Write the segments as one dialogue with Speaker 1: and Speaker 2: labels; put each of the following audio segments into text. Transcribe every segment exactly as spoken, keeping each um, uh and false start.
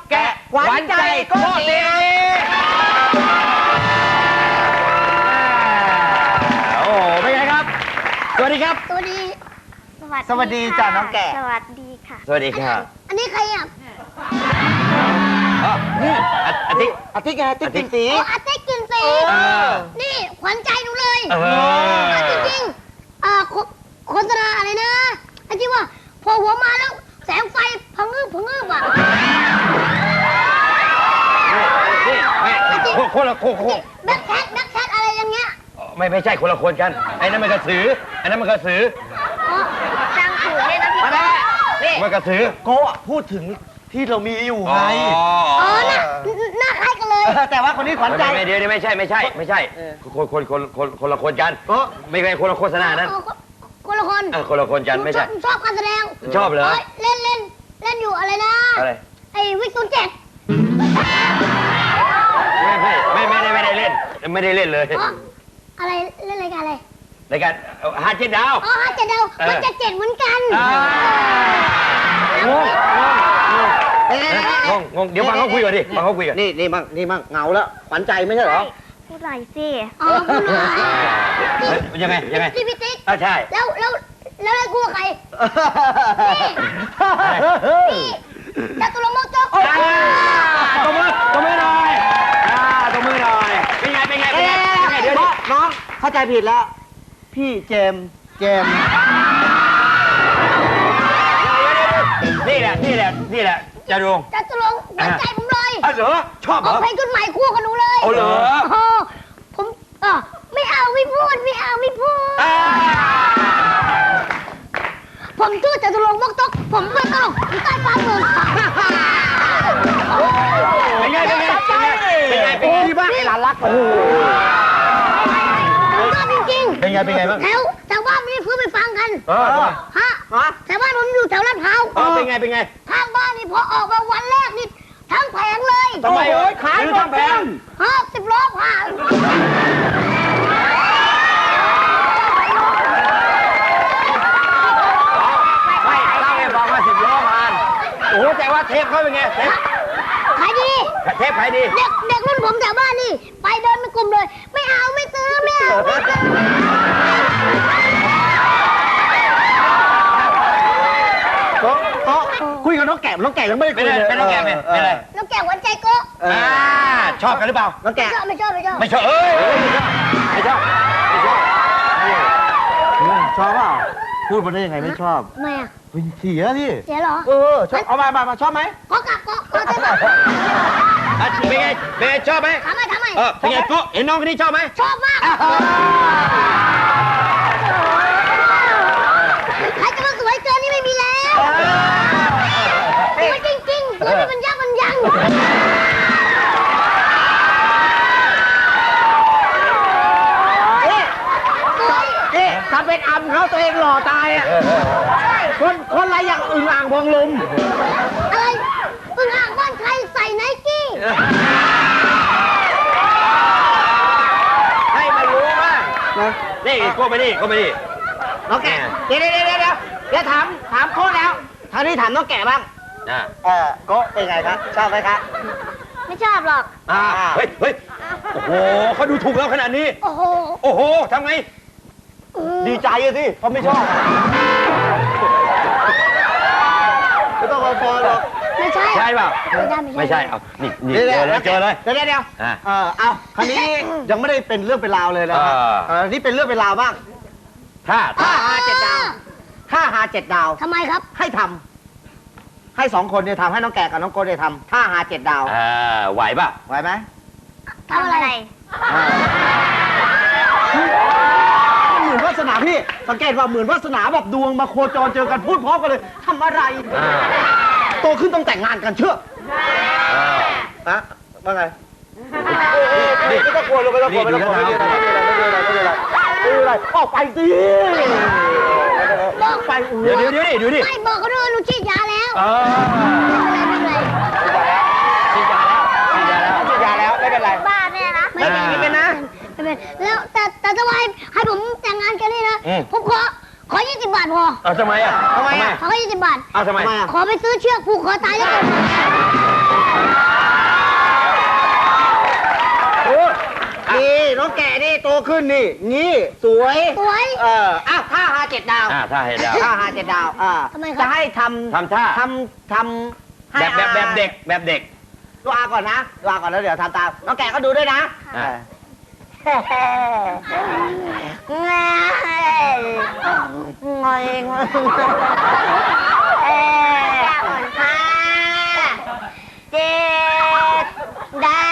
Speaker 1: แกะหวานใจโกติโอ้เป็นไงครับสวัสดีครับ
Speaker 2: สวัสดี
Speaker 1: สวัสดีจ้าน้องแกะ
Speaker 2: สวัสดีค่ะ
Speaker 1: สวัสดีค่ะ
Speaker 2: อันนี้ใครอ่ะ
Speaker 1: นี่อาทิตย์อาทิตย์ไงอาทิตย์กินสี
Speaker 2: อ๋ออาทิตย์กินสีนี่ขวัญใจหนูเลยจริงๆอ่าโฆษณาอะไรนะไอ้ที่ว่าพอหัวมาแล้วแสงไฟพังงืบพังงืบอ่ะ
Speaker 1: นี่แม่คนละคน
Speaker 2: แบ็คแคทแบ็คแคทอะไรอย่างเงี้ย
Speaker 1: ไม่ไม่ใช่คนละคนกันไอ้นั่นมันกระสือไอ้นั่นมันกระสือ
Speaker 2: อ๋อจังถือเลยนะพี่
Speaker 1: นี่มันกระสือ
Speaker 3: โก้พูดถึงที่เรามีอยู่ไง
Speaker 2: อ๋อน่ะหน้าคล้ายกันเลย
Speaker 3: แต่ว่าคนนี้ขวัญใจ
Speaker 1: ไม่เดี๋ยวไม่ใช่ไม่ใช่ไม่ใช่คนคนคนคนคนละคนกันไม่ใช่คนละโฆษณานั้น
Speaker 2: คนละคน
Speaker 1: คนละคนกันไม่ใช่
Speaker 2: ชอบการแสดง
Speaker 1: ชอบเหรอ
Speaker 2: เล่นเล่นเล่นอยู่อะไรนะ
Speaker 1: อะไร
Speaker 2: ไอ้วิกศูนย์เจ็ด
Speaker 1: ไม่ไม่ไม่ไม่ได้ไม่ได้เล่นไม่ได้เล่นเลย
Speaker 2: อะไรเล่นรายการอะไร
Speaker 1: รายการฮาเจ็ดดาว
Speaker 2: อ๋อฮาเจ็ดดาวมันจะเจ็ดเหมือนกัน
Speaker 1: งงงงงงเดี๋ยวฟังเขาคุยก่อนดิฟังเขาคุยก่อน
Speaker 3: นี่นี่มั่งนี่มั่งเงาแล้วขวัญใจไม่ใช่เหรอ
Speaker 2: พูดหน่อยสิอ๋อพูดหน่อย
Speaker 1: ยังไงยังไง
Speaker 2: พี่พิติ๊ก
Speaker 1: ใช่
Speaker 2: แล้วแล้วแล้วไอ้กู้ใครนี่จัตุรงค์มกจก
Speaker 1: ตบมือตบมือหน่อยตบมือหน่อยเป็นไงเป็นไงเป็นไงเดี๋ยว
Speaker 3: น้องเข้าใจผิดแล้วพี่เจมเจม
Speaker 1: นี่แหละนี่แหละนี่แหละจตุรงค์
Speaker 2: จตุรงค์หวานใจผมเลย
Speaker 1: อ๋อเหรอชอบเหรอ
Speaker 2: เอาเพลงขึ้นใหม่คู่กับหนูเลย
Speaker 1: เอาเหรอ
Speaker 2: ผมเออไม่เอาไม่พูดไม่เอาไม่พูดผมชื่อจตุรงค์มกจกผมไม่ตลกอยู่ใต้ฟ้าเมือง
Speaker 1: เป็นไงเป็นไงเป็นไงเป็นไง
Speaker 3: ที่บ้านไอ้หลานรักโอ้โห
Speaker 2: จริงๆ
Speaker 1: เป็นไงเป็นไงบ้าง
Speaker 2: แถวแถวบ้านไม่ได้ฟื้นไปฟังกันฮะแถวบ้านผมอยู่แถวลาดพร้าว
Speaker 1: เป็นไงเป็นไง
Speaker 2: ข้างบ้านนี่พอออกมาวันแรกนี่ทั้งแผงเลย
Speaker 1: ทำไมเอ้ยขายทั้งแผง
Speaker 2: ฮะสิบล้อผ่าน
Speaker 1: ไม่เล่าให้ฟังว่าสิบล้อผ่านโอ้โหแต่ว่าเทปเขาเป็นไงเทป
Speaker 2: ขายดี
Speaker 1: เทปขายดี
Speaker 2: เด็กเด็กรุ่นผมแถวบ้านนี่ไปเดินเป็นกลุ่มเลยไม่เอาไม่ซื้อไม่เอาไม่ซื้อ
Speaker 3: คุยกับน้องแก่น้องแก่ยังไม่ได้คุยเลย
Speaker 1: เป็นน้องแก่เป็นอะไร
Speaker 2: น้องแก่หวานใจโก้
Speaker 1: ชอบกันหรือเปล่า
Speaker 3: น้องแก่
Speaker 2: ไม่ชอบไม่ชอบ
Speaker 1: ไม่ชอบเอ้ยไม่ชอบไม่ชอบ
Speaker 3: ชอบเปล่าพูดมาได้ยังไงไม่ชอบ
Speaker 2: ทำไมอ่ะ
Speaker 3: เป็นเสียพี่
Speaker 2: เสียเหรอ
Speaker 3: เออชอบเอามามามาชอบไหม
Speaker 2: ก็กลับก็ก็ได้ไหม
Speaker 1: เป็นไงเป็นไงชอบไหม
Speaker 2: ทำไมทำไม
Speaker 1: เออเป็นไงก็เห็นน้องคนนี้ชอบไหม
Speaker 2: ชอบมากใครจะมาสวยเกินนี่ไม่มีแล้วสวยจริงๆสวยเป็นยักษ์มันยัง
Speaker 3: นี่ถ้าเป็นอัมเขาตัวเองหล่อตายอ่ะคนคนอะไรอย่างอึ่งอ่างพองลม
Speaker 2: อะไรอึ่งอ่างบ้านใครใส่ไนกี้
Speaker 1: ให้มารู้บ้างนี่ก็ไม่นี่ก็ไม่นี่
Speaker 3: น้องแก่เดี๋ยวเดี๋ยวเดี๋ยวเดี๋ยวเดี๋ยวถามถามโค้ดแล้วทางนี้ถามน้องแก่บ้างเออโก้เป็นไงครับชอบไหมครับ
Speaker 2: ไม่ชอบหรอก
Speaker 1: อ่าเฮ้ยเฮ้ยโอ้โหเขาดูถูกเราขนาดนี้
Speaker 2: โอ้โห
Speaker 1: โอ้โหทำไง
Speaker 3: ดีใจสิเพราะไม่ชอบไม่ต้องมาฟอนหรอก
Speaker 2: ไม่ใช่
Speaker 1: ใช่เปล่า
Speaker 2: ไม่ได้
Speaker 1: ไม่ใช่เอานี่นี่เจอเลยเจอเลย
Speaker 3: เดี๋ยวเดี๋ยวเออเอาคราวนี้ยังไม่ได้เป็นเรื่องเป็นราวเลยนะครับนี่เป็นเรื่องเป็นราวบ้าง
Speaker 1: ถ้า
Speaker 3: ถ้าหาเจ็ดดาวถ้าหาเจ็ดดาว
Speaker 2: ทำไมครับ
Speaker 3: ให้ทำให้สองคนเนี่ยทำให้น้องแก่กับน้องโก้เนี่ยทำถ้าหาเจ็ดดาว
Speaker 1: อ่าไหวป่ะ
Speaker 3: ไหวไหม
Speaker 2: ทำอะไร
Speaker 3: เหมือนวาสนาพี่สังเกตว่าเหมือนวาสนาแบบดวงมาโคจรเจอกันพูดพร้อมกันเลยทำอะไรโตขึ้นต้องแต่งงานกันเชื่อนะว่าไงไม่ต้องกลัวเลยไม่ต้องกลัวไม่ต้องกลัวไม่เป็นไรไม่เป็นไรไม่เป็นไรไม่เป็นไรไม่เป็นไรออกไปสิ
Speaker 2: บอก
Speaker 3: ไป
Speaker 1: เดี๋ยวเดี๋ยวดิดูดิ
Speaker 2: ไม่บอกเขาด้วยหนูฉีดยาแล้ว
Speaker 3: ไม่เป็นไรฉีดยาแล้วฉีดยาแล้วฉีดยาแล้วไม่เป็นไร
Speaker 2: บ้าแน่นะ
Speaker 3: ไม่เป็นไม่เป็นนะ
Speaker 2: ไม่เป็นแล้วแต่แต่ถ้าว่าให้ผมแต่งงานกันนี่นะผมขอขอยี่สิบบาทพอ
Speaker 1: เอาทำไมอ่ะ
Speaker 3: ทำไมอ่ะ
Speaker 2: ขอยี่สิบบาท
Speaker 1: เอาทำไม
Speaker 2: ขอไปซื้อเชือกผูกคอตายแล้วกัน
Speaker 3: ขึ้นนี่ งี้ สวย
Speaker 2: สวย
Speaker 3: เอออ้าวห้าหาเจ็ดดาว
Speaker 1: อ่าถ้าให้ดาว
Speaker 3: ห้าหาเจ็ดดาวอ่า
Speaker 2: ทำไมครับ
Speaker 3: จะให้ทำ
Speaker 1: ทำท่า
Speaker 3: ทำทำให้
Speaker 1: แบบแบบแบบเด็กแบบเด็ก
Speaker 3: ดูอาก่อนนะดูอาก่อนแล้วเดี๋ยวทำตาม น้องแกะก็ดูด้วยนะ
Speaker 1: อ่า
Speaker 3: ง่ายงอยงอยเอ๊ห้าเจ็ดดาว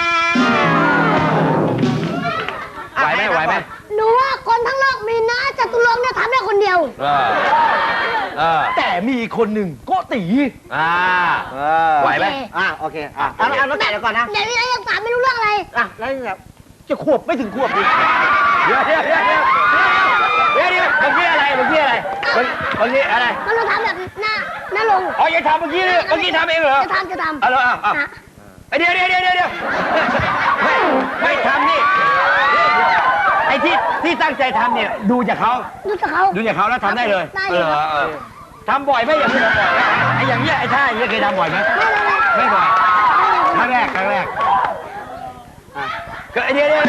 Speaker 1: ไหวไหมไหวไหม
Speaker 2: หนูว่าคนทั้งโลกมีนะจตุรงค์เนี่ยทำได้คนเดียว
Speaker 1: เออเออ
Speaker 3: แต่มีคนหนึ่งก็ตี
Speaker 1: อ่าไหวไหม
Speaker 3: อ่ะโอเคอ่ะเอาเอาน้องแกะเดี๋ยวก่อนนะ
Speaker 2: เดี๋ยวนี้ยังถามไม่รู้เรื่องอะไร
Speaker 3: อ่ะแล้วแบบจะขวบไม่ถึงขวบดิ
Speaker 1: เดี๋ยวเดี๋ยวเดี๋ยวเดี๋ยวเดี๋ยวเดี๋ยวเมื่อกี้อะไรเมื่อกี้อะไรเมื่อเมื่อกี้อะไร
Speaker 2: มันเราทำแบบหน้าหน้าลง
Speaker 1: อ๋อยังทำเมื่อกี้เลยเมื่อกี้ทำเองเหรอ
Speaker 2: จะทำจะทำ
Speaker 1: เอาเลยอ่ะอ่ะ
Speaker 2: อ่ะ
Speaker 1: เดี๋ยวเดี๋ยวเดี๋ยวเดี๋ยวเดี๋ยวไม่ไม่ทำนี่ไอ้ที่ที่ตั้งใจทำเนี่ยดูจากเขา
Speaker 2: ดูจากเขา
Speaker 1: ดูจากเขาแล้วทำได้เลย
Speaker 2: ได้
Speaker 1: เอ
Speaker 2: เลย
Speaker 1: อเออทำบ่อยไหมอย่างนี้ทำบ่อยไหมไอ้อย่างเงี้ยไอ้ท่าอย่างเงี้ยเคยทำบ่อยไหม
Speaker 2: ได้เลย
Speaker 1: ไม่บ่อยครั้งแรกครั้งแรกอ่ะก็เดี๋ยวเดี๋ยว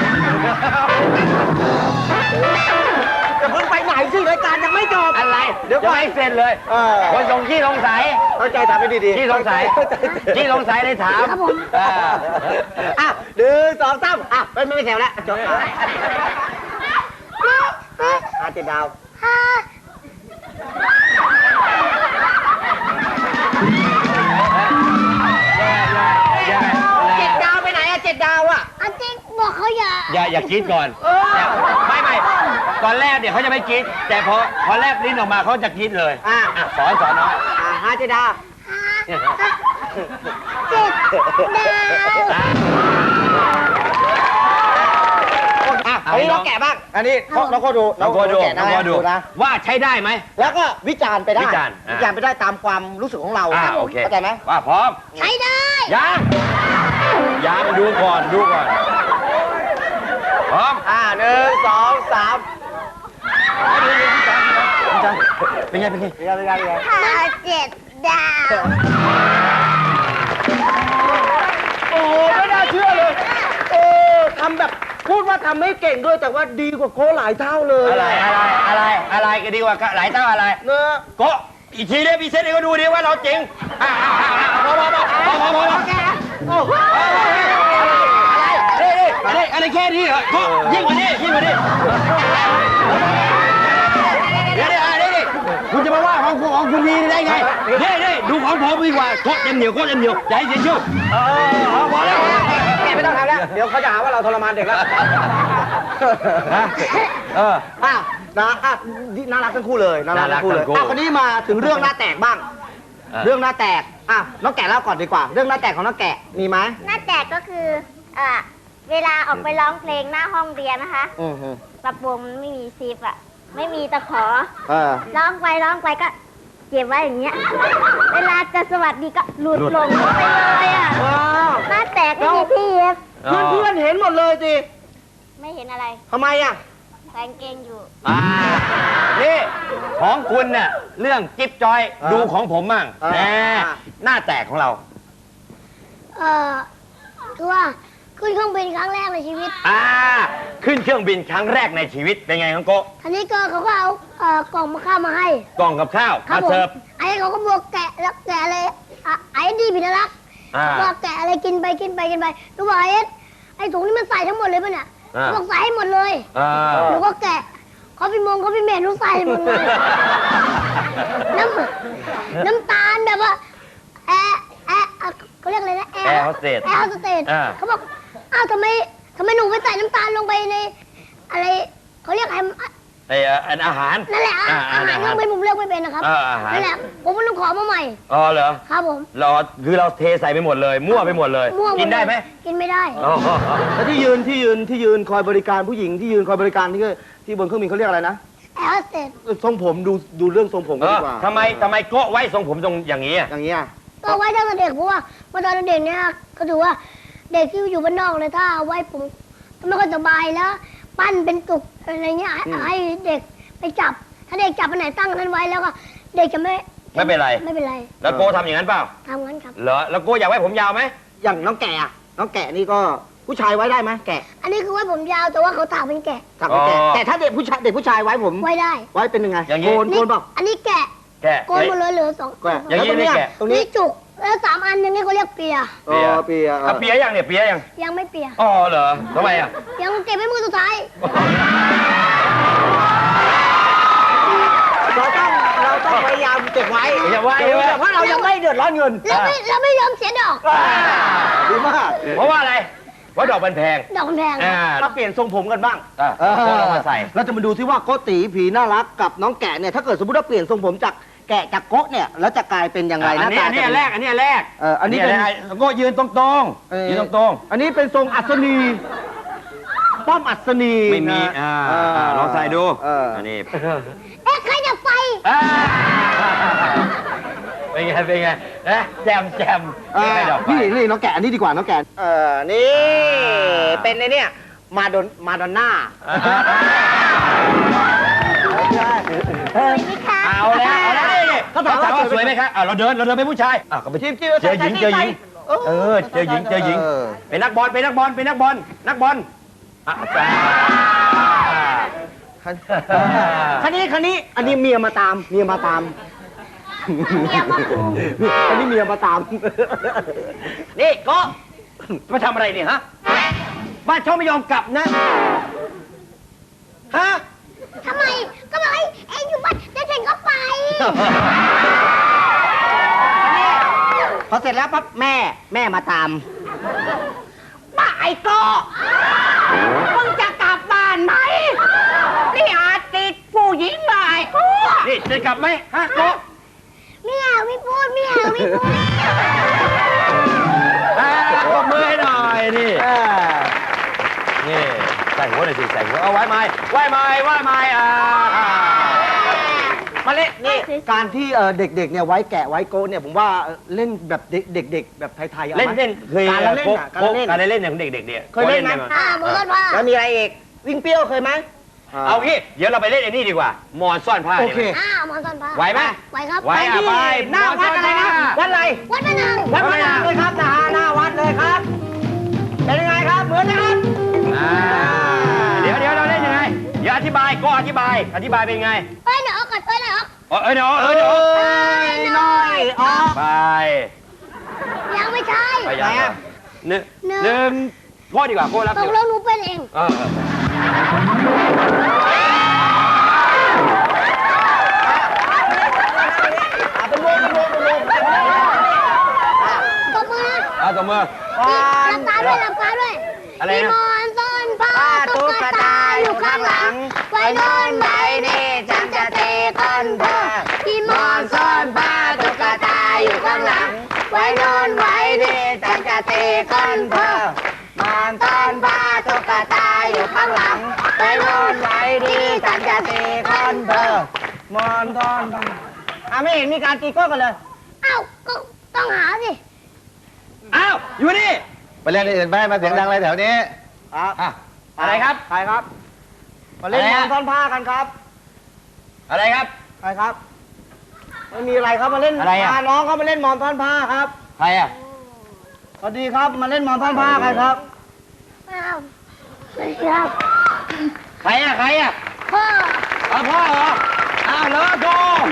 Speaker 3: จะเพิ่งไปไหนสิรายการยังไม่จบ
Speaker 1: อะไร
Speaker 3: เดี๋ยวก่อน
Speaker 1: ไม่เสร็จเลย
Speaker 3: เออ
Speaker 1: คนสงขี้สงสัย
Speaker 3: เข้าใจทำให้ดีๆ
Speaker 1: ขี้สงสัยขี้สงสัยเลยถาม
Speaker 2: ครับผม
Speaker 1: เออ
Speaker 3: อ่ะหนึ่งสองสามอ่ะไม่ไม่แถวแล้วจบอ่ะเจ็ดดาว
Speaker 2: ฮ่า
Speaker 1: อย่า
Speaker 3: เจ็ดดาวไปไหนอ่ะเจ็ดดาวอ่ะ
Speaker 2: อันจริงบอกเขาอย่า
Speaker 1: อย่าอย่ากรีดก่อนไม่ไม่ตอนแรกเดี๋ยวเขาจะไม่กรีดแต่พอพอแลบลิ้นออกมาเขาจะกรีดเลย
Speaker 3: อ่ะ
Speaker 1: อ่ะสอนสอนน้อย
Speaker 3: อ่ะห้าเจ็ดดาว
Speaker 2: ฮ่าเจ็ดดาว
Speaker 1: อ่ะ
Speaker 3: อ่ะอันนี้น้องแกะบ้าง อันนี้น้องก็ดู
Speaker 1: น้องโกดู
Speaker 3: แกะ
Speaker 1: น้องโกดู
Speaker 3: นะ
Speaker 1: ว่าใช้ได้ไหม
Speaker 3: แล้วก็วิจารณ์ไปได้
Speaker 1: วิจารณ์อ่ะ
Speaker 3: วิจารณ์ไปได้ตามความรู้สึกของเรา
Speaker 1: อ่าโอเค
Speaker 3: เข้าใจไหม
Speaker 1: ว่าพร้อม
Speaker 2: ใช้ได้
Speaker 1: ยังยังดูก่อนดูก่อนพร้อม
Speaker 3: อ่าหนึ่งสองสาม
Speaker 1: เป็นไงเป็นไง
Speaker 3: เรียนเรียนเรียน
Speaker 2: ฮ่าเจ็ดดาว
Speaker 3: โอ้โหไม่น่าเชื่อเลยเออทำแบบพูดว่าทำไม่เก่งด้วยแต่ว่าดีกว่าโค้หลายเท่าเลย
Speaker 1: อะไรอะไรอะไรอะไรกันดีกว่าหลายเต้าอะไร
Speaker 3: เนอะ
Speaker 1: โกะอีกทีเดียวพี่เซตให้เขาดูดิว่าเราจริงอ่ะอ่ะอ่ะอ่ะพอพอพอพอพอพอพอ
Speaker 3: โอ้โห
Speaker 1: อะไรอะไรอะไรแค่นี้เหรอโกะยิ่งกว่านี้ยิ่งกว่านี้เดี๋ยวเดี๋ยวเดี๋ยวคุณจะมาว่าของของคุณดีได้ไงเดี๋ยวเดี๋ยวดูของผมดีกว่าโกะเต็มเหนียวโกะเต็มเหนียวอย่าให้เสียชื่อเออพอแล้ว
Speaker 3: แกไม่ต้องทำแล้ว เดี๋ยวเขาจะหาว่าเราทรมานเด็กแล้ว
Speaker 1: ฮะเออ
Speaker 3: อ้าวนะอ่ะน่ารักทั้งคู่เลยน่ารักทั้งคู่เลย
Speaker 1: น่ารักทั้งคู่
Speaker 3: อ่ะคนนี้มาถึงเรื่องหน้าแตกบ้าง
Speaker 1: เออ
Speaker 3: เรื่องหน้าแตกอ่ะน้องแกะเล่าก่อนดีกว่า เรื่องหน้าแตกของน้องแกะมีไหม
Speaker 4: หน้าแตกก็คือเอ่อเวลาออกไปร้องเพลงหน้าห้องเรียนนะคะ
Speaker 3: อือฮึ
Speaker 4: กระโปรงมันไม่มีซิปอะไม่มีตะขอ
Speaker 3: เออ
Speaker 4: ร้องไปร้องไปก็เก็บไว้อย่างเงี้ย เวลาจะสวัสดีก็หลุด
Speaker 1: หลุด
Speaker 4: ลงไปเลยอะ
Speaker 3: ว้าว
Speaker 4: หน้าแตกไม่มีที่เย็บ
Speaker 3: เพื่อนเพื่อนๆเห็นหมดเลยสิ
Speaker 4: ไม่เห็นอะไร
Speaker 3: ทำไมอ่ะ
Speaker 4: แฟนเกงอยู่
Speaker 1: อ่านี่ของคุณเนี่ยเรื่องจิ๊บจอย
Speaker 3: อ่า
Speaker 1: ดูของผมมั่ง
Speaker 3: อ่า
Speaker 1: แหมหน้าแตกของเรา
Speaker 2: เอ่อคือว่าขึ้นเครื่องบินครั้งแรกในชีวิต
Speaker 1: อ่า ขึ้นเครื่องบินครั้งแรกในชีวิตเป็นไงของโกะ
Speaker 2: ทีนี้ก็เขาก็เอาเอ่อกล่องมาข้าวมาให้
Speaker 1: กล่องกับข้าว
Speaker 2: ครั
Speaker 1: มา
Speaker 2: ผม
Speaker 1: เสิร์ฟ
Speaker 2: ไอ้เขาก็บอกแกะแล้วแกะเลยอ่ะไอ้ดีผิดรัก
Speaker 1: อ่า
Speaker 2: บอกแกะอะไรกินไปกินไปกินไปหนูบอกไอ้เอ็ดไอ้ถุงนี่มันใส่ทั้งหมดเลยป่ะเนี่ย
Speaker 1: อ่า
Speaker 2: บอกใส่ให้หมดเลย
Speaker 1: อ่า
Speaker 2: หนูก็แกะเขาพี่มงเขาพี่เมย์หนูใส่หมดเลย น้ำน้ำตาลแบบว่าแอร์แอร์อ่ะเขาเรียกอะไรนะ
Speaker 1: แอร์โฮสเตส
Speaker 2: แอร์โฮสเตส
Speaker 1: อ่า
Speaker 2: เขาบอกอ้าวทำไมทำไมหนูไปใส่น้ำตาลลงไปใน อะไรเขาเรียกอะไร
Speaker 1: ไอ้เอ่ออันอาหาร
Speaker 2: นั่นแหละอ่ะ
Speaker 1: อ่า
Speaker 2: อาหาร
Speaker 1: อาหาร
Speaker 2: ยังไม่ผมเลือกไม่เป็นนะครับ
Speaker 1: เอออาหาร
Speaker 2: นั่นแหละผมก็ต้องขอมาใหม่
Speaker 1: อ๋อเหรอ
Speaker 2: ครับผม
Speaker 1: เราคือเราเทใส่ไปหมดเลย มั่วไปหมดเลย
Speaker 2: มั่วหม
Speaker 1: กินได้ไหม
Speaker 2: กินไม่ได้
Speaker 1: อ๋อ
Speaker 3: แล้วที่ยืนที่ยืนที่ยืนคอยบริการผู้หญิงที่ยืนคอยบริการที่ก็ที่บนเครื่องบินเขาเรียกอะไรนะ
Speaker 2: แอร์โฮสเตส
Speaker 3: เออทรงผมดูดูเรื่องทรงผม
Speaker 1: เอ
Speaker 3: กัน
Speaker 1: อ
Speaker 3: ดีกว่า
Speaker 1: ทำไมทำไมโกะไว้ทรงผมตรงอย่างนี้อ่ะ
Speaker 3: อย่างเงี้ย
Speaker 2: ก็ไว้ตั้งแต่เด็กเพราะว่าเมื่อตอนเด็กเนี่ยก็ถือว่าเด็กที่อยู่บ้านนอกเลยถ้าเอาไว้ผมก็ไม่ค่อยสบายแล้ว ปั้นเป็นตุกอะไรเงี้ยให้ให้เด็กไปจับ ถ้าเด็กจับอันไหนตั้งอันนั้นไว้แล้วก็เด็กจะไม่
Speaker 1: ไม่เป็นไร
Speaker 2: ไม่เป็นไร
Speaker 1: แล้วโกะทำอย่างนั้นเปล่า
Speaker 2: ทำงั้นครับ
Speaker 1: เหรอแล้วโกะอยากไว้ผมยาวไหม
Speaker 3: อย่างน้องแกะอะน้องแกะนี่ก็ผู้ชายไว้ได้ไหมแกะ
Speaker 2: อันนี้คือไว้ผมยาวแต่ว่าเขาถากเป็นแกะ
Speaker 3: ถักเป็นแกะแต่ถ้าเด็กผู้ชายเด็กผู้ชายไว้ผม
Speaker 2: ไว้ได้
Speaker 3: ไว้เป็นยังไง
Speaker 1: อย่างนี้
Speaker 3: โกนโกนเปล่า
Speaker 2: อันนี้แกะ
Speaker 1: แกะ
Speaker 2: โกนหมดเลยเหลือสอง
Speaker 3: แกะ
Speaker 1: อย่างนี้
Speaker 3: แล้วตรงเนี้ย
Speaker 1: ไม่แกะ
Speaker 3: ตรงนี้
Speaker 2: นี่จุกแล้วสามอันอย่างนี้เขาเรียกเปีย
Speaker 3: เออเปีย
Speaker 1: อ่ะเปียยังเนี่ยเปียยัง
Speaker 2: ยังไม่เปีย
Speaker 1: อ๋อเหรอทำไมอ่ะ
Speaker 2: ยังเก็บไว้มือสุดท้าย
Speaker 3: เราต้องเราต้องพยายามเก็บไว้
Speaker 1: อย่าไว้
Speaker 3: เก็บไว้เพราะเรายังไม่เดือดร้อนเงิน
Speaker 2: แล้วไม่แล้วไม่ยอมเสียดอก
Speaker 3: ดีมาก
Speaker 1: เพราะว่าอะไรเพราะดอกมันแพง
Speaker 2: ดอกมันแพง
Speaker 1: อ่า
Speaker 3: มาเปลี่ยนทรงผมกันบ้าง
Speaker 1: อ่ะโค้ดเอามาใส่
Speaker 3: เราจะมาดูที่ว่าโกตีผีน่ารักกับน้องแกะเนี่ยถ้าเกิดสมมติว่าเปลี่ยนทรงผมจากแกะจากโกะเนี่ยแล้วจะกลายเป็นยังไงห
Speaker 1: อั
Speaker 3: น้าน
Speaker 1: นี้
Speaker 3: ตา
Speaker 1: อันนี้
Speaker 3: จะ
Speaker 1: อัน
Speaker 3: เป็
Speaker 1: แรกอันนี้อันแรก
Speaker 3: เอออันนี้เป็น
Speaker 1: อัแล้วก็ยืนตรงๆยืนตรง
Speaker 3: อันนี้เป็นทรงอัศนีป้อมอัศนี
Speaker 1: ๆไม่มี
Speaker 3: นะ
Speaker 1: อ่า
Speaker 3: เ
Speaker 1: อ่าลองใส่ดู
Speaker 3: เอออั
Speaker 1: อันนี้
Speaker 2: เอ๊ะใครจะไฟ
Speaker 1: อ่าเป็นไงเป็นไงนะแจมแจม
Speaker 3: เออ
Speaker 1: ไม่ดอกไฟ
Speaker 3: นี่นี่น้องแกะอันนี้ดีกว่าน้องแกะเออนี่เป็นในเนี่ยมาดอนมาดอนน่า
Speaker 1: เอาแล้วเอาแล้วนี่เขาถามว่าสวยไหมครับอ่าเราเดินเราเดินเป็นผู้ชายอ่าก็ไปจิ้มจิ้มเจอหญิงเจอหญิงเออเจอหญิงเจอหญิงเป็นนักบอลเป็นนักบอลเป็นนักบอลนักบอลอ่ะจ้า
Speaker 3: คันนี้คันนี้อันนี้เมียมาตามเมียมาตาม
Speaker 2: เมียมาคุม
Speaker 3: อันนี้เมียมาตาม
Speaker 1: นี่ก็มาทำอะไรเนี่ยฮะบ้านช่องไม่ยอมกลับนะฮะ
Speaker 2: ทำไมก็บอกให้เอ็งอยู่บ้านแล้วฉันก็ไป
Speaker 3: พอเสร็จแล้วปั๊บแม่แม่มาตามป้าไอ้ก็มึงจะกลับบ้านไหมนี่อาจติดผู้หญิงมาไอ้ก็
Speaker 1: นี่จะกลับไหมฮะโก
Speaker 2: ไม่เอาไม่พูดไม่เอาไม่พูด
Speaker 1: อ่าปรบมือให้หน่อยนี่นี่ใส่หัวหน่อยสิใส่หัวเอาไว้ไม้ไว้ไม้ไว้ไม้อ่า
Speaker 3: มาเล่นนี่การที่เอ่อเด็กๆเนี่ยไว้แกะไว้โกนเนี่ยผมว่าเล่นแบบเด็กๆแบบไทยๆอาไหม
Speaker 1: เล่นเล่นเคย
Speaker 3: การละเล่น
Speaker 1: โป๊ะ
Speaker 3: อะการ
Speaker 1: โป๊ะ
Speaker 3: ละเล่น
Speaker 1: การเล่นเนี่ยของเด็กๆเนี่ย
Speaker 3: เคยเล่นไหม
Speaker 2: อ่าหมดผ้า
Speaker 3: แล้วมีอะไรอีกวิ่งเปรี้ยวเคยไหม
Speaker 1: เอางี้เดี๋ยวเราไปเล่นไอ้นี่ดีกว่าหมอนซ่อนผ้า
Speaker 3: โอ
Speaker 1: ดี
Speaker 3: เค
Speaker 1: ไหม
Speaker 2: อ่าหมอนซ่อนผ้า
Speaker 1: ไหวไหม
Speaker 2: ไหวครับ
Speaker 1: ไหวอ่ะไป
Speaker 3: หน้าวัดอะไรนะวัดอะไร
Speaker 2: วัดพนัง
Speaker 3: วัดพระนางเลยครับนะฮะหน้าวัดเลยครับเป็นยังไงครับเหมือนนะครับ
Speaker 1: อ่าเดี๋ยวเดี๋ยวเราเล่นยังไงเดี๋ยวอธิบายก็อธิบายอธิบายเป็นไง
Speaker 2: เอ้ยเดี๋ยวเอาก่อนเอ้ยเดี๋ยวเอา
Speaker 1: เออเออเดี๋ยวเออเดี๋ยว
Speaker 3: เอ้ยน้อยออก
Speaker 1: ไป
Speaker 2: ยังไม่ใช่
Speaker 1: ไปยังไงหนึ่งหนึ่งโก้ดีกว่าโก้รับ
Speaker 2: ตกลงหนูเป็นเอง
Speaker 1: เออ
Speaker 3: เป็นวงเป็นวงเป็นวง
Speaker 2: ตบมือนะ
Speaker 1: เอาตัวมือ
Speaker 2: หลับตาด้วยหลับตาด้วย
Speaker 1: อะไรนะ
Speaker 2: มีหมอนซ่อนผ้าตุ๊กตาอยู่ข้างหลัง ไว้นอนไว้นี่ฉันจะเตะก้นเธอที่หมอนซ่อนผ้าตุ๊กตาอยู่ข้างหลัง ไว้นอนไว้นี่ฉันจะเตะก้นเธอหมอนซ่อนผ้าตุ๊กตาอยู่ข้างหลัง ไว้นอนไว้นี่ฉันจะเตะก้นเธอ
Speaker 3: มอนทอนอ่ะไม่เห็นมีการตีโก้กันเลย
Speaker 2: เอ้าก็ต้องหาสิ
Speaker 1: อ้าวอยู่นี่
Speaker 5: ไปเล่นที่อื่นไปมาเสียงดังอะไรแถวนี้
Speaker 3: ครับ
Speaker 1: อ่ะอะไรครับ
Speaker 3: ใครครับ มาเล่น
Speaker 1: อะไร
Speaker 3: ม
Speaker 1: ฮะ
Speaker 3: อนทอนผ้ากันครับ
Speaker 1: อะไรครับ
Speaker 3: ใครครับไม่มีอะไรครับมาเล่น
Speaker 1: อะไรอ่ะ
Speaker 3: พาน้องเขามาเล่นมอนทอนผ้าครับ
Speaker 1: ใครอ่ะ
Speaker 3: สวัสดีครับมาเล่นมอนทอนผ้าใครครับ
Speaker 2: อ้าวไม่ครับ
Speaker 1: ใครอ่ะใครอ่ะ
Speaker 2: พ่อ
Speaker 1: เอาพ่อเหรออ้าวเหรอโก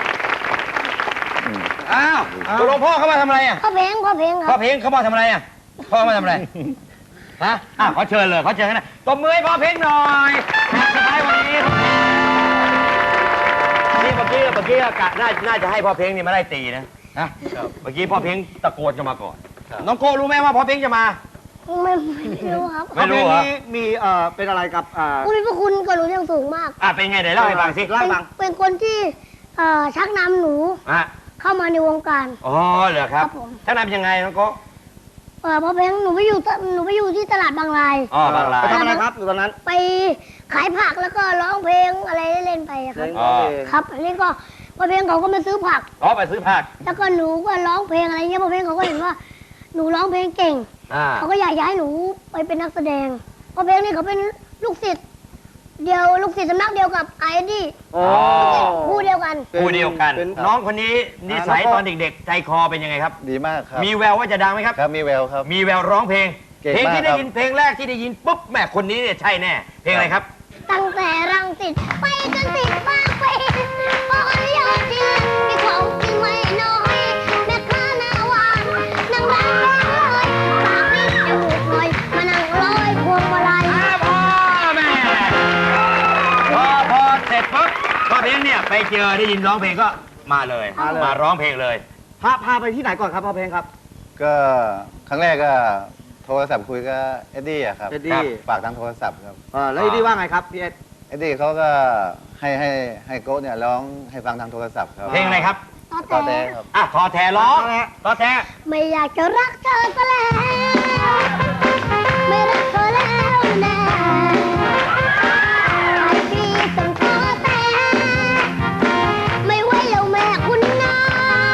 Speaker 1: อ้าวตกลงพ่อเขามาทำอะไรอ่ะ
Speaker 2: พ่อเพลงพ่อเพลงค
Speaker 1: พ่อ
Speaker 2: รับ
Speaker 1: เพลงเขามาทำอะไรอ่ะพ่อมาทำอะไรฮะอ่ะขอเชิญเลยขอเชิญกันนะตบมือให้พ่อเพลงหน่อยสุดท้ายวันนี้นี่เมื่อกี้เมื่อกี้กะน่าน่าจะให้พ่อเพลงนี่มาไล่ตีนะนะเมื่อกี้พ่อเพลงตะโกนจะมาก่อนน้องโก้รู้ไหมว่าพ่อเพลงจะมา
Speaker 2: ไม่ไม่รู้ครับ
Speaker 1: ไม่รู้เหรอ
Speaker 3: เพลงนี้มีเอ่อเป็นอะไรกับอ่า
Speaker 2: ผู้มีพระคุณกับหนูอย่างสูงมาก
Speaker 1: อ่ะเป็นไงไหนเล่าให้ฟังสิ
Speaker 3: เล่าให้ฟัง
Speaker 2: เป็นคนที่เอ่อชักนำหนู
Speaker 1: อ่ะ
Speaker 2: เข้ามาในวงการ
Speaker 1: อ๋อเหรอครับ
Speaker 2: ครับผม
Speaker 1: ท่านนำยังไงน้องโก้
Speaker 2: เออพอเพลงหนูไปอยู่ตหนูไปอยู่ที่ตลาดบางราย
Speaker 1: อ๋อบางราย
Speaker 3: ไปทำอะไรครับอยู่ตอนนั้น
Speaker 2: ไปขายผักแล้วก็ร้องเพลงอะไรเล่นๆไปอะครับ
Speaker 1: อ๋อ
Speaker 2: ครับอันนี้ก็พอเพลงเขาก็มาซื้อผัก
Speaker 1: อ๋อไปซื้อผัก
Speaker 2: แล้วก็หนูก็ร้องเพลงอะไรเงี้ยพอเพลงเขาก็เห็นว่าหนูร้องเพลงเก่ง
Speaker 1: อ่า
Speaker 2: เขาก็อยากจะให้หนูไปเป็นนักแสดงเพราะเพลงนี่เขาเป็นลูกศิษย์เดียวลูกศิษย์สำนักเดียวกับไอ้ดี้
Speaker 3: อ๋อ
Speaker 2: คู่เดียวกัน
Speaker 1: คู่เดียวกัน
Speaker 3: เป็น
Speaker 1: น้องคนนี้นิสัย
Speaker 3: อ่าน้องโก้
Speaker 1: ตอนเด็กๆ ใจคอเป็นยังไงครับ
Speaker 5: ดีมากครับ
Speaker 1: มีแววว่าจะดังไหมครับ
Speaker 5: ครับมีแววครับ
Speaker 1: มีแววร้องเพลง
Speaker 5: เก่ง
Speaker 1: เพลง
Speaker 5: มาก
Speaker 1: ที่
Speaker 5: ค
Speaker 1: ได้
Speaker 5: รับ
Speaker 1: ยินเพลงแรกที่ได้ยินปุ๊บแม่คนนี้เนี่ยใช่แน่เพลงอะไรครับ
Speaker 2: ตั้งแต่รังสิตไปจนติดบางปีพอยอดจริงมีของจริงไม่น้อยแม่ค้าหน้าหวานนางรำร้องเลยปากนิดจมูกหน่อยมานั่งร้อยพวงมาลัย
Speaker 1: พอแม่พอพอเสร็จปุ๊บพอเพลงเนี่ยไปเจอได้ยินร้องเพลงก็มาเลย
Speaker 3: มาเลย
Speaker 1: มาร้องเพลงเลย
Speaker 3: พาพาไปที่ไหนก่อนครับพ่อเพลงครับ
Speaker 5: ก็ครั้งแรกก็โทรศัพท์คุยกับเอ็ดดี้อะครับ
Speaker 3: เอ็ดดี้
Speaker 5: ฝากทางโทรศัพท์ครับ
Speaker 3: เออแล้วเอ็ดดี้ว่าไงครับพี่เอ็ด
Speaker 5: เอ็ดดี้เขาก็ให้ให้ให้โก้เนี่ยร้องให้ฟังทางโทรศัพท์ครับ
Speaker 1: เพลงอะไรครับ
Speaker 2: ต่อ
Speaker 5: ก็
Speaker 2: แต่
Speaker 5: แต่ครับ
Speaker 1: อ่ะทอแทร้องทอแท
Speaker 2: ไม่อยากจะรักเธอซะแล้วไม่รักเธอแล้วแน่ไอ้พี่ต้องขอแต่ไม่ไหวแล้วแม่คุณนาย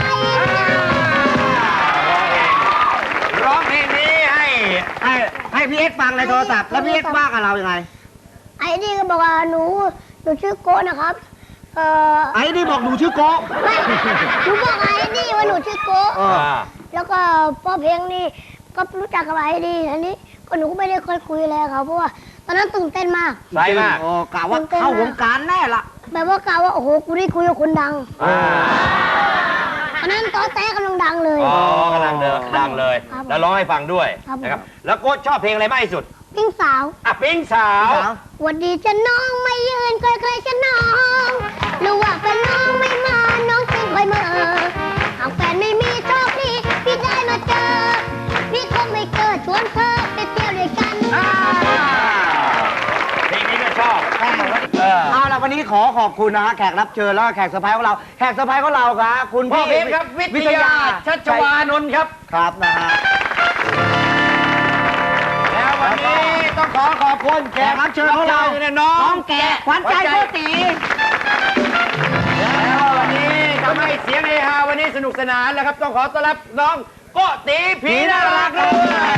Speaker 1: ร้องเพลงนี้ให้
Speaker 3: ให้ให้พี่เอ็ดฟังในโทรศัพท์แล้วพี่เอ็ดว่ากับเรายังไง
Speaker 2: ไอ้นี่ก็บอกว่าหนูหนูชื่อโกะนะครับเอ่อ
Speaker 3: ไอ้นี่บอกหนูชื่อโกะ
Speaker 2: ไม่หนูบอกไอ้นี่ว่าหนูชื่อโกะ
Speaker 3: เออ
Speaker 2: แล้วก็พ่อเพลงนี่ก็รู้จักกับไอ้นี่อันนี้ก็หนูก็ไม่ได้ค่อยคุยอะไรกับเขาเพราะว่าตอนนั้นตื่นเต้นมาก
Speaker 1: ใส่มาก
Speaker 3: โอ้กะว่าเข้าวงการแน่ละ
Speaker 2: แบบว่ากล่าวว่าโอ้โหกูได้คุยกับคนดัง
Speaker 1: อ่า
Speaker 2: ตอนนั้นตอแต้กำลังดังเลย
Speaker 1: อ๋อกำลังเดินดังเลย
Speaker 2: ครับผม
Speaker 1: แล้วร้องให้ฟังด้วย
Speaker 2: ครับผม
Speaker 1: นะครับ แล้วโก็ชอบเพลงอะไรมากที่สุด
Speaker 2: ปิ้งสาว
Speaker 1: อ่ะปิ้งสาว
Speaker 2: หวันดีจะน้องไม่ยืนใครๆจะน้องหรือว่าเป็นน้องไม่มาน้องจึงคอยมาหากแฟนไม่มีโชคดีพี่ได้มาเจอพี่คงไม่เกิดชวนเธอไปเที่ยวด้วยกัน
Speaker 1: อ่าเพลงนี้ก็ชอบเออ
Speaker 3: เอาละวันนี้ขอขอบคุณนะฮะแขกรับเชิญแล้วก็แขกเซอร์ไพรส์ของเราแขกเซอร์ไพรส์ของเราครับคุณ
Speaker 1: พ่อ
Speaker 3: พี่
Speaker 1: เพลงครับ วิทยาชัชวานนท์ครับ
Speaker 3: ครับนะฮะ
Speaker 1: แล้ววันนี้ต้องขอขอบคุณแข
Speaker 3: แข
Speaker 1: ก
Speaker 3: กรับเชิญของเรา
Speaker 1: เนี่ยน้อง
Speaker 3: น้องแกะขวัญใจโกติ
Speaker 1: แล้ววันนี้ทำให้เสียงเฮฮาวันนี้สนุกสนานแล้วครับ ต้องขอต้อนรับน้องโกตีผีน่ารักด้วย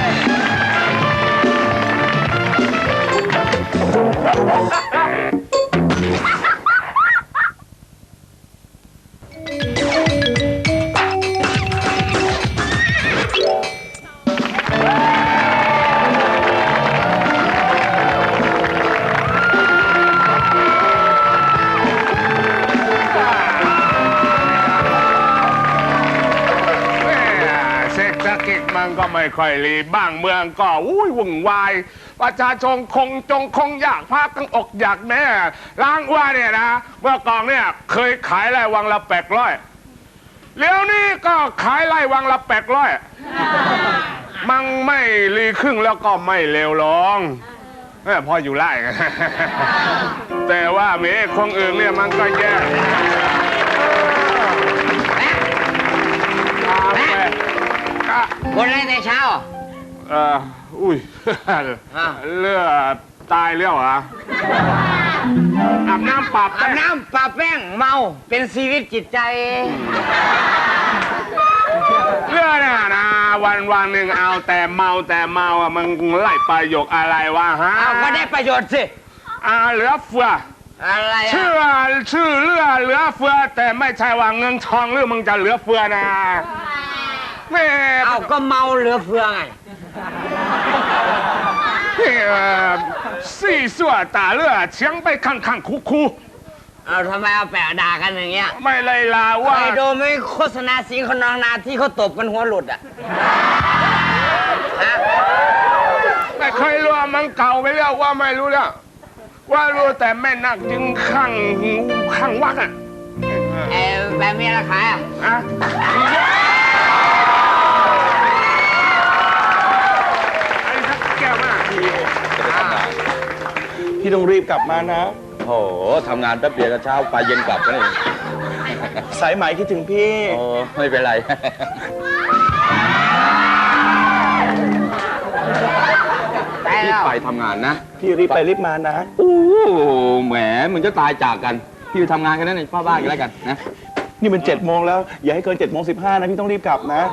Speaker 6: แม่เศรษฐกิจมันก็ไม่ค่อยรีบ้างเมืองก็อุ้ยวุ่นวาย ประชาชนคงจงคงอยากพากันอกอยากแม่ล้างว่าเนี่ยนะ เมื่อก่อนเนี่ยเคยขายไร่วังละแปดร้อยเดี๋ยวนี้ก็ขายไร่วังละแปดร้อยมันไม่รีครึ่งแล้วก็ไม่เลวลงแม่พออยู่ไร่ แต่ว่าเมฆคงอื่นเนี่ยมันก็แย่ก็
Speaker 1: บนอะไรในเช้า
Speaker 6: เอ่ออุ้ย เลือดตายแล้วเหรออาบน้ำปรับ
Speaker 1: อาบน้ำปะแป้งเมาเป็นชีวิตจิตใจ
Speaker 6: เลือดน่ะนะวันวันหนึ่งเอาแต่เมาแต่เมาอ่ะมันไล่ประโยคอะไรวะฮะ
Speaker 1: เอาก็ได้ประโยชน์สิ
Speaker 6: อ่าเหลือเฟือ
Speaker 1: อะไร
Speaker 6: ชื่อชื่อเลือเหลือเฟือ แต่ไม่ใช่ว่าเงินทองหรือมึงจะเหลือเฟือนะแม่
Speaker 1: เอาก็เมาเหลือเฟือไง
Speaker 6: เอ่อสี่ส่วนตาเลือเชียงไปข้างข้างคูคู
Speaker 1: เอาทำไมเอาแปะด่ากันอย่างเงี้ย
Speaker 6: ไม่เลยลาว่า
Speaker 1: ไปดูไม่โฆษณาสีคนนองนาที่เขาตบกันหัวหลุดอ่ะฮะ
Speaker 6: ไม่เคยรู้ว่ามันเก่าไปแล้วว่าไม่รู้แล้วว่ารู้แต่แม่นักจึงข้างข้างวักอ่ะ
Speaker 1: เออแบบมีอะไรขายอ่ะ
Speaker 6: อะไอ้สักแก้วมาก
Speaker 3: พี่ต้องรีบกลับมานะ
Speaker 5: โอ้โหทำงานแป๊บเดียวก็เช้าไปเย็นกลับกันเอง
Speaker 3: สายไหมคิดถึงพี่
Speaker 5: โอ้ไม่เป็นไร
Speaker 1: ไป
Speaker 5: พี่
Speaker 1: แล้ว
Speaker 5: ไปทำงานนะ
Speaker 3: พี่รีบไปรีบมานะ
Speaker 5: โอ้แหมมึงจะตายจากกัน พี่ไปทำงานกันนั่นเองพ่อบ้านกันแล้วกันนะ
Speaker 3: นี่มันเจ็ดโมงแล้ว อย่าให้เกินเจ็ดโมงสิบห้านะพี่ต้องรีบกลับนะ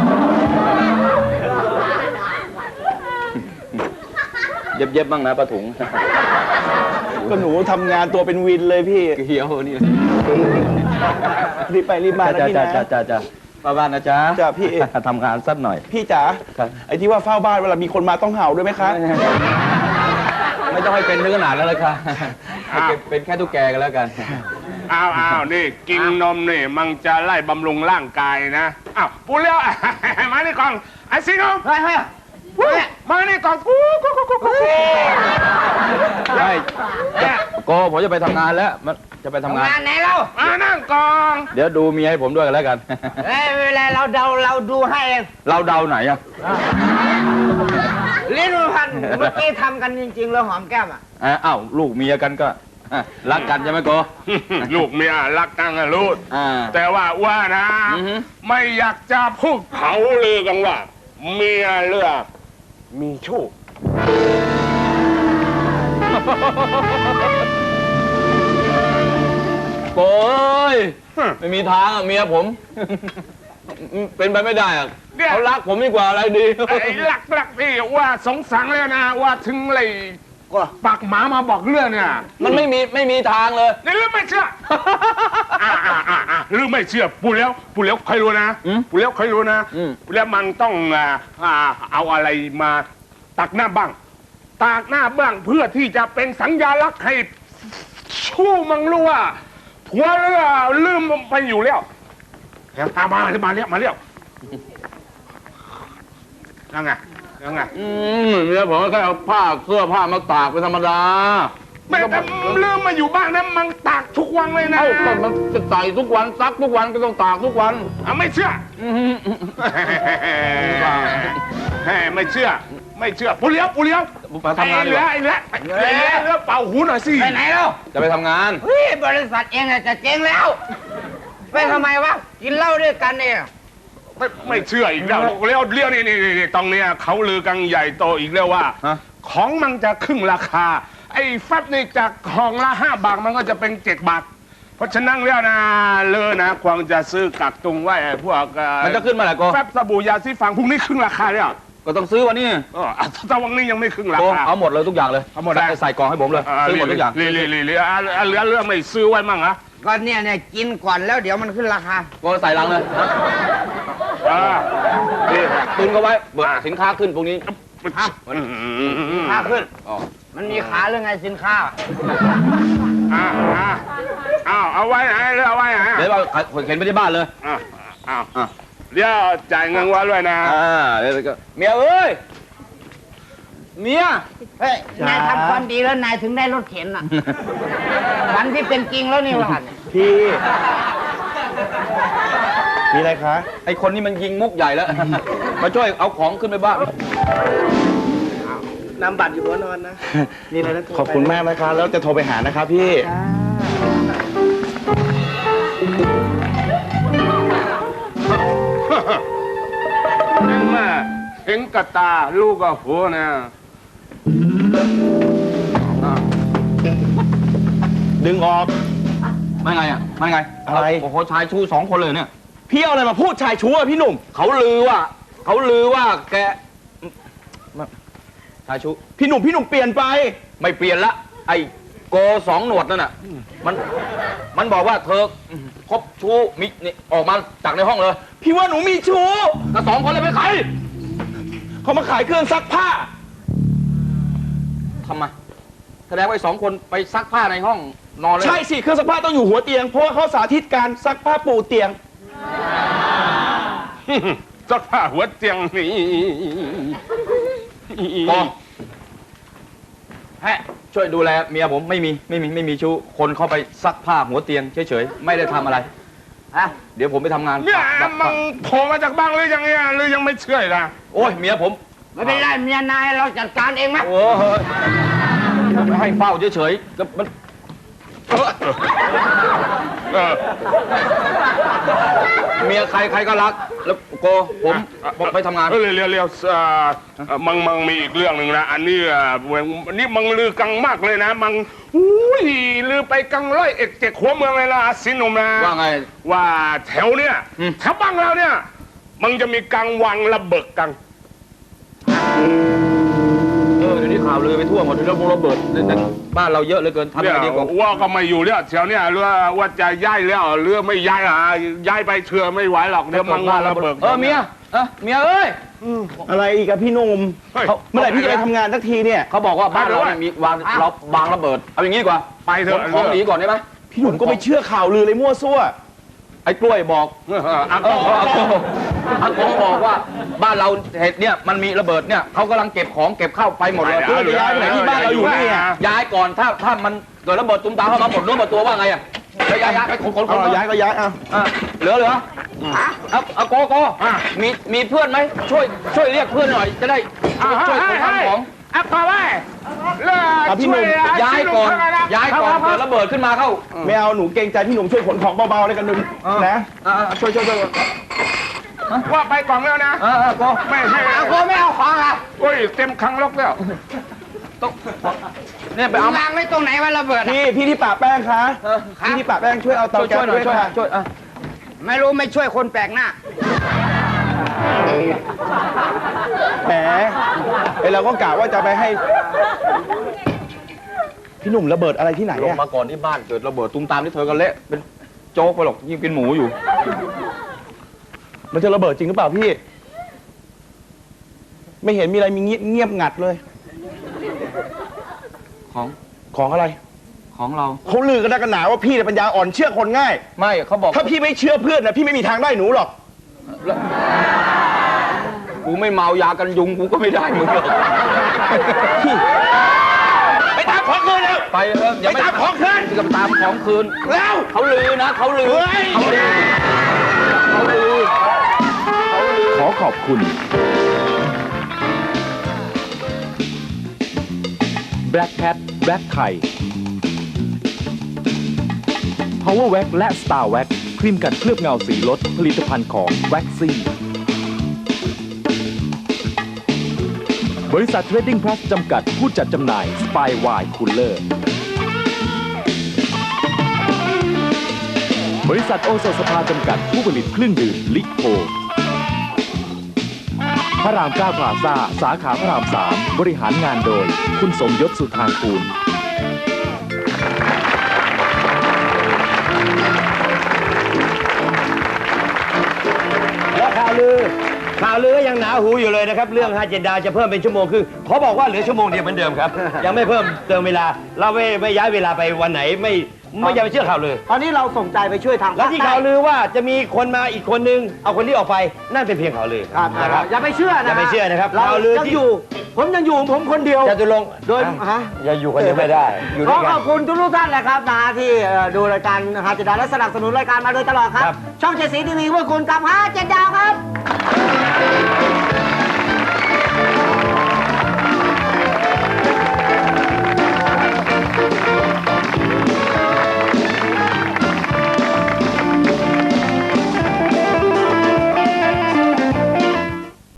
Speaker 5: เย็บๆบ้างนะป้าถุง
Speaker 3: ก็หนูทำงานตัวเป็นวินเลยพี่
Speaker 5: เขียวนี่
Speaker 3: รีบไปรีบมานะ
Speaker 5: จ้า
Speaker 3: พี่
Speaker 5: จ้า
Speaker 3: นะ
Speaker 5: จ้าจ้าจ้าป้าบ้านนะจ๊ะ
Speaker 3: จ้ะพี่
Speaker 5: ทำงานสักหน่อย
Speaker 3: พี่จ๋า
Speaker 5: ครับ
Speaker 3: ไอ้ที่ว่าเฝ้าบ้านเวลามีคนมาต้องเห่าด้วยไหมคะ
Speaker 5: ไม่ต้องให้เป็นถึงขนาดนั้นเลยค่ะให้เป็นแค่ตุ๊กแกกันแล้วกัน
Speaker 6: อ้าวอ้าวนี่กินนมนี่มันจะไล่บำรุงร่างกายนะอ้าวปูเลี้ยว มานี่ก่อนไอ้สิงห์
Speaker 3: เฮ้ยเฮ้ย
Speaker 6: มานี่ก่อนกูกูกูกูกู
Speaker 5: ใช่โกผมจะไปทำงานแล้วมันจะไปทำงาน
Speaker 7: งานไหนเรา
Speaker 6: มานั่งก่อน
Speaker 5: เดี๋ยวดูเมียให้ผมด้วยกันแล้วกัน
Speaker 7: เอ้ยเวลาเราเดาเราดูให้เอง
Speaker 5: เราเดาไหนอะ
Speaker 7: ลิ้นมันพันเมื่อกี้ทำกันจริงๆแล้วหอมแก้มอ่ะ
Speaker 5: อ่ะอ้าวลูกเมียกันก็อ่ะรักกันใช่ไหมโก
Speaker 6: ลูกเมียรักกันอะลูก
Speaker 5: อ่า
Speaker 6: แต่ว่าว่านะ
Speaker 5: อือฮึ
Speaker 6: ไม่อยากจะพูดเขาลือกันว่า เมียเลือกมีชู้
Speaker 5: โกยไม่มีทางอะเมียผม เป็นไปไม่ได้อะเขารักผมดีกว่าอะไรดี
Speaker 6: ไอ้หลักหลักพี่ว่าสงสังแล้วนะว่าถึงเลยปากหมามาบอกเรื่องเนี่ย
Speaker 5: มันไม่มีไม่มีทางเลย
Speaker 6: นี่ลืมไม่เชื่ออ่าอ่าอ่าอ่าลืมไม่เชื่อปูแล้วปูแล้วใครรู้นะ
Speaker 5: อืม
Speaker 6: ปูแล้วใครรู้นะ
Speaker 5: อืม
Speaker 6: ปูแล้วมันต้องอ่าอ่าเอาอะไรมาตักหน้าบ้างตากหน้าบ้างเพื่อที่จะเป็นสัญญาลักษณ์ให้ชู้มังรู้ว่าผัวเรือลืมไปอยู่แล้วแถมตามมามาเรียกมาเรียกยังไงยังไง
Speaker 5: อืมเมียผมก็แค่เอาผ้าเสื้อผ้ามาตากเป็นธรรมดา
Speaker 6: แม่แต่ลืมมาอยู่บ้านนะมันตากทุกวันเลยนะ
Speaker 5: เอ้าก็มันจะใส่ทุกวันซักทุกวันก็ต้องตากทุกวัน
Speaker 6: อ่ะไม่เชื่อ
Speaker 5: อืม
Speaker 6: แหมไม่เชื่อ ไม่เชื่อปูเลี้ยวปูเลี้ยว
Speaker 5: ไปทำงานดีกว่า
Speaker 6: ไอ้เลี้ยไอ้เลี้ยไอ้เลี้ยเลี้ยเป่าหูหน่อยสิ
Speaker 7: ไปไหนเรา
Speaker 5: จะไปทำงาน
Speaker 7: เฮ้ยบริษัทเองอะจะเจ๊งแล้ว ไปทำไมวะ กินเหล้าด้วยกันเนี่ย
Speaker 6: ไม่ไม่เชื่ออีกแล้วเลี้ยวเลี้ยวนี่นี่นี่ตรงเนี้ยเขาลือกันใหญ่โตอีกแล้วว่า
Speaker 5: ฮะ
Speaker 6: ของมันจะครึ่งราคา ไอ้แฟบนี่จากของละห้าบาทมันก็จะเป็นเจ็ดบาท เพราะฉะนั้นแล้วนะเลอนะควรจะซื้อกักตุงไว้ไอ้พวกเอ่อ
Speaker 5: มันจะขึ้นมาแหละโก
Speaker 6: แฟบสบู่ยาสีฟันพวกนี้ครึ่งราคาเนี่ย
Speaker 5: ก็ต้องซื้อวันนี้
Speaker 6: เอออ่ะถ้าวันนี้ยังไม่ครึ่งรา
Speaker 5: โก
Speaker 6: คา
Speaker 5: เอาหมดเลยทุกอย่างเลย
Speaker 6: เอาหมดเลย
Speaker 5: ใส่ใส่กล่องให้ผมเลยซื้อหมดทุกอย่าง
Speaker 6: เหลือเหลือเหลือเหลือเหลือเหลือไม่ซื้อไว้มั่งอะ
Speaker 7: ก็เนี่ยเนี่ยกินก่อนแล้วเดี๋ยวมันขึ้นราคา
Speaker 5: โกใส่ลังเลย
Speaker 6: อ่านี่
Speaker 5: ตุนเขาไว้เบิกสินค้าขึ้นพวกนี้
Speaker 7: ค่าขึ้น
Speaker 5: อ๋อ
Speaker 7: มันมีขาเรื่องไงสินค้า
Speaker 6: อ่าอ่าอ้าวเอาไว้ไหนเอาไว้ไหน
Speaker 5: เดี๋ยวเอาเข็นไปที่บ้านเลย
Speaker 6: อ้าวอ้าว
Speaker 5: อ่ะ
Speaker 6: เดี๋ยวจ่ายเงินไว้ด้วยนะ
Speaker 5: อ่าเดี๋ยวก็เมียเอ้ยเมีย
Speaker 7: เฮ้ย นายทำความดีแล้วนายถึงได้รถเข็นอ่ะ วันที่เป็นจริงแล้วนี่หว่า
Speaker 3: พี่ มีอะไรคะ
Speaker 5: ไอคนนี้มันยิงมุกใหญ่แล้ว มาช่วยเอาของขึ้นไปบ้าน
Speaker 3: นำบัตรอยู่หัวนอนนะ นี่เลยนะขอบคุณมากนะคะ แล้วจะโทรไปหานะคะพี่
Speaker 6: เห็นไหมเห็นกับตาลูกกับหัวนะ
Speaker 3: ดึงออก
Speaker 5: ไม่ไงอ่ะไม่ไง
Speaker 3: อะไร
Speaker 5: โอ้โหชายชู้สองคนเลยเนี่ย
Speaker 3: พี่เอาอะไรมาพูดชายชั่วพี่หนุ่ม
Speaker 5: เขาลือว่า เขาลือว่าแกชายชู้
Speaker 3: พี่หนุ่มพี่หนุ่มเปลี่ยนไป
Speaker 5: ไม่เปลี่ยนละ ไอ้โกสองหนวดนั่นน่ะ มัน มันบอกว่าเธอคบชู้มินี่ออกมาจากในห้องเลย
Speaker 3: พี่ว่าหนูมีชู้
Speaker 5: ก็สองคนเลยไปนใคร
Speaker 3: เขามาขายเครื่องซักผ้า
Speaker 5: ทำไมแสดงว่าไอ้สองคนไปซักผ้าในห้องนอนเลย
Speaker 3: ใช่สิ เครื่องซักผ้าต้องอยู่หัวเตียง เพราะว่าเขาสาธิตการซักผ้าปูเตียง
Speaker 6: สักผ้าหัวเตียงนี่
Speaker 5: โกแฮะช่วยดูแลเมียผมไม่มีไม่มีไม่มีชู้คนเข้าไปซักผ้าหัวเตียงเฉยๆไม่ได้ทำอะไร
Speaker 7: ฮะ
Speaker 5: เดี๋ยวผมไปทำงาน
Speaker 6: เนี่ยมันโผล่มาจากบ้านหรือยังเนี่ยหรือยังไม่เชื่ออีกนะ
Speaker 5: โอ้ยเมียผม
Speaker 7: ไม่เป็นไรเมียนายเราจัดการเองไหม
Speaker 5: โอ้ยให้เฝ้าเฉยๆก็มัน
Speaker 6: เออ
Speaker 5: เมียใครใครก็รัก แล้วโกผมบอกไปทำงาน
Speaker 6: เร็วเร็วเร็วเอ่อเอ่อมังมังมีอีกเรื่องหนึ่งนะ อันนี้อ่ะเว้ยอันนี้มังลือกังมากเลยนะ มังอุ้ยลือไปกังร้อยเอ็ดเจ็ดหัวเมืองเลยนะสินหนุ่มนะ
Speaker 5: ว่าไง
Speaker 6: ว่าแถวเนี่ย
Speaker 5: อืม
Speaker 6: แถวบ้านเราเนี่ย มันจะมีกังวังระเบิดกัง
Speaker 5: เออเดี๋ยวนี้ข่าวลือไปทั่วหมดระบงระเบิดในบ้านเราเยอะเหลือเกินทำ
Speaker 6: เนี่
Speaker 5: ยั
Speaker 6: ย
Speaker 5: งไงดีกว่า
Speaker 6: ว่าก็ไม่อยู่เนี่ยเที่ยวเนี่ยเรือว่าจะย้ายแล้วเรือไม่ย้ายอ่ะย้ายไปเชื่อไม่ไหวหรอกเดี๋ยวมังงระเบิด
Speaker 5: เออเมียเออเมียเอ้ย
Speaker 3: อะไรอีกอะพี่หนุ่ม
Speaker 6: เฮ้ย
Speaker 3: เขาเมื่อไหร่พี่จะไปทำงานสักทีเนี่ย
Speaker 5: เขาบอกว่าบ้านเราเนี่ยมีวางเราวางระเบิดเอาอย่างนี้ดีกว่า
Speaker 6: ไปเถ
Speaker 5: ข
Speaker 6: อะ
Speaker 5: นของหนีก่อนได้ไหม
Speaker 3: พี่หนุ่มก็ไม่เชื่อข่าวลือเลยมั่วซั่ว
Speaker 5: ไอ้กล้วยบอก
Speaker 6: เอออ่ะ
Speaker 5: เอออากงอากงบอกว่าบ้านเราเหตุเนี่ยมันมีระเบิดเนี่ยเขากำลังเก็บของเก็บเข้าไปหมดเลย
Speaker 3: เดี๋ยวย้ายไปไหนที่บ้านเราอยู่นี่อ่ะ
Speaker 5: ย้ายก่อนถ้าถ้ามันเกิดระเบิดตุ้มตามเข้ามาหมดเนื้อหมดตัวว่าไงอ่ะไปย้ายย้ายไปขนขนข
Speaker 3: เอา
Speaker 5: น
Speaker 3: เราย้ายก็ย้ายเอา
Speaker 5: อ่ะเหลือเหลือเอาเอาโกโกมีมีเพื่อนไหมช่วยช่วยเรียกเพื่อนหน่อยจะได้ช่วยช่วยขนของ
Speaker 6: อ่ะพอไว้เรือช่วย
Speaker 5: ย้ายก่อนย้ายก่อนเกิดระเบิดขึ้นมาเข้า
Speaker 3: ไม่เอาหนูเกรงใจพี่หนุ่มช่วยขนของเบาๆเลยกันหนึ่งนะ
Speaker 5: อ่าช่วยช่วยช่วย
Speaker 6: ว่าไปกล่องแล้วนะ
Speaker 5: อ่าโก
Speaker 6: ไม่ให้
Speaker 7: เอาโกไม่เอาของอ่ะ
Speaker 6: โอ้ยเต็มครั้งลกแล้ว
Speaker 5: ต้องเนี่ยไปเอา
Speaker 7: วางไว้ตรงไหนว่าระเบิดอะ
Speaker 3: พี่พี่ที่ปะแป้งคะพี่ที่ปะแป้งช่วยเอาเตา
Speaker 5: ช่วย
Speaker 3: แก๊
Speaker 5: ช่วยหน่อยช่วย
Speaker 3: สด้วยค่ะ
Speaker 5: ช่วยอ่ะ
Speaker 7: ไม่รู้ไม่ช่วยคนแปลกหน้า
Speaker 3: แหมไอเราก็กะว่าจะไปให้ พี่หนุ่มระเบิดอะไรที่ไหน
Speaker 5: ลง
Speaker 3: อะ
Speaker 5: มาก่อนที่บ้านเกิดระเบิดตุ้มตามที่เธอก็เละเป็นโจ๊กไปหรอกยิ่งเป็นหมูอยู่
Speaker 3: มันจะระเบิดจริงหรือเปล่าพี่ ไม่เห็นมีอะไรมีเงียบเงียบงัดเลย
Speaker 5: ของ
Speaker 3: ของอะไร
Speaker 5: ของเรา
Speaker 3: เขาลือกันนักกันหนาว่าพี่เนี่ยปัญญาอ่อนเชื่อคนง่าย
Speaker 5: ไม่เขาบอก
Speaker 3: ถ้าพี่ไม่เชื่อเพื่อนนะพี่ไม่มีทางได้หนูหรอก
Speaker 5: กูไม่เมายากันยุงกูก็ไม่ได้มึงหรอก
Speaker 3: ไปตามของคืนแล้ว
Speaker 5: ไปเอออย่า
Speaker 3: ไปตามของคืน
Speaker 5: จะตามของคืน
Speaker 3: แล้ว
Speaker 5: เขาลือนะเขาลือ
Speaker 3: เฮ้ย
Speaker 5: เขาลือเขาลือ
Speaker 8: ขอขอบคุณ Black Cat Black ไข่ Power Wax และ Star Wax ครีมกันเคลือบเงาสีรถผลิตภัณฑ์ของ Waxy บริษัท Trading Plus จำกัดผู้จัดจำหน่าย Spy Wine Cooler บริษัทโอโซสภาจำกัดผู้ผลิตเครื่องดื่มลิโพพระรามเก้าพลาซ่าสาขาพระรามสามบริหารงานโดยคุณสมยศสุธางกูล
Speaker 1: แล้วข่าวลือข่าวลือก็ยังหนาหูอยู่เลยนะครับ เรื่องฮาเจนดาจะเพิ่มเป็นชั่วโมงคือเขาบอกว่าเหลือชั่วโมงเดียวเหมือนเดิมครับ ยังไม่เพิ่มเติมเวลา เราไม่ไม่ย้ายเวลาไปวันไหนไม่ไม่อย่าไปเชื่อข่าวลือ
Speaker 3: ตอนนี้เราส่งใจไปช่วยทาง
Speaker 1: แล้วที่ข่าวลือว่าจะมีคนมาอีกคนนึงเอาคนที่ออกไปนั่นเป็นเพียงข่าวลือ
Speaker 3: ครับ
Speaker 1: นะครับ
Speaker 3: อย่าไปเชื่อนะ
Speaker 1: อย่าไปเชื่อนะครับ
Speaker 3: เรา
Speaker 1: ข่าวลือ
Speaker 3: ยัง
Speaker 1: ที่
Speaker 3: อยู่ ผมยังอยู่ผมคนเดียว
Speaker 1: จตุรงค์
Speaker 3: โดยฮะ
Speaker 1: อย่าอยู่คนเดียวไม่ได้อยู่
Speaker 3: ข
Speaker 1: ด้
Speaker 3: อ
Speaker 1: วยกั
Speaker 3: ข
Speaker 1: น
Speaker 3: อบคุณทุกๆท่านนะครับนะฮะที่เอ่อดูรายการฮาเจดาและสนับสนุนรายการมาโดยตลอดครับ
Speaker 1: ครับ
Speaker 3: ช่องเจ็ดสีทีวีเพื่อคุณกับฮาเจดาวครับ